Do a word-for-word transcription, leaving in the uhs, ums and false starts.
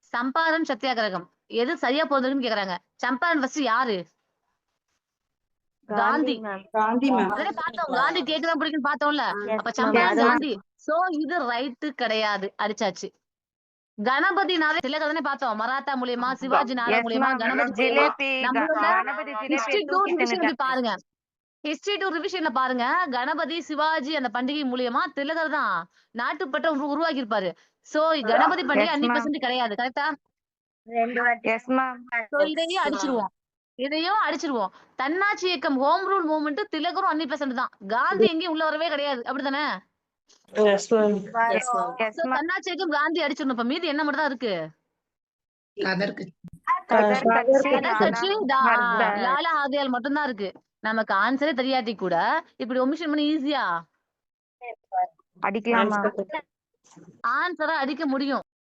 சம்பாரன் சத்தியாகிரகம் எது சரியா போகுதுன்னு கேக்குறாங்க. சம்பாரன் ஃபர்ஸ்ட் யாரு? காந்தி. காந்தி மேம். அதனே பார்த்தோம். காந்தி கேக்குதா பிடிக்குன்னு பார்த்தோம்ல. அப்ப சம்பாரன் காந்தி. சோ இது ரைட் கிடையாது. அடிச்சாச்சு. கணபதினாலே திலகர் தானே பார்த்தோம். மராத்தா மூலியமா, சிவாஜி நாடா மூலியமா, கணபதி மூலியமா நம்மளோட ஹிஸ்டரி டூ ரிவிஷன் பாருங்க. ஹிஸ்டரி டூ ரிவிஷன்ல பாருங்க. கணபதி, சிவாஜி அந்த பண்டிகை மூலியமா திலகர் தான் நாட்டுப்பற்ற உருவாக்கி இருப்பாரு. சோ கணபதி பண்டிகை அஞ்சு பர்சன்ட் கிடையாது. கரெக்டா? சோ இதையும் அடிச்சிருவோம். இதையும் அடிச்சிருவோம். தன்னாட்சி இயக்கம் ஹோம் ரூல் மூவ்மெண்ட் திலகரும் அஞ்சு பர்சன்ட் தான். காந்தி எங்கேயும் உள்ள வரவே கிடையாது. அப்படித்தானே? தன்னாட்சி இயக்கம் காந்தி அடிச்சிடணும். இப்ப மீதி என்ன மட்டும் தான் இருக்கு? லாலா ஆதியால் மட்டும்தான் இருக்கு. நமக்கு ஆன்சரே தெரியாட்டி கூட இப்படி ஒமிஷன் பண்ணி ஈஸியா அடிக்கலாம். ஆன்சரா அடிக்க முடியும்.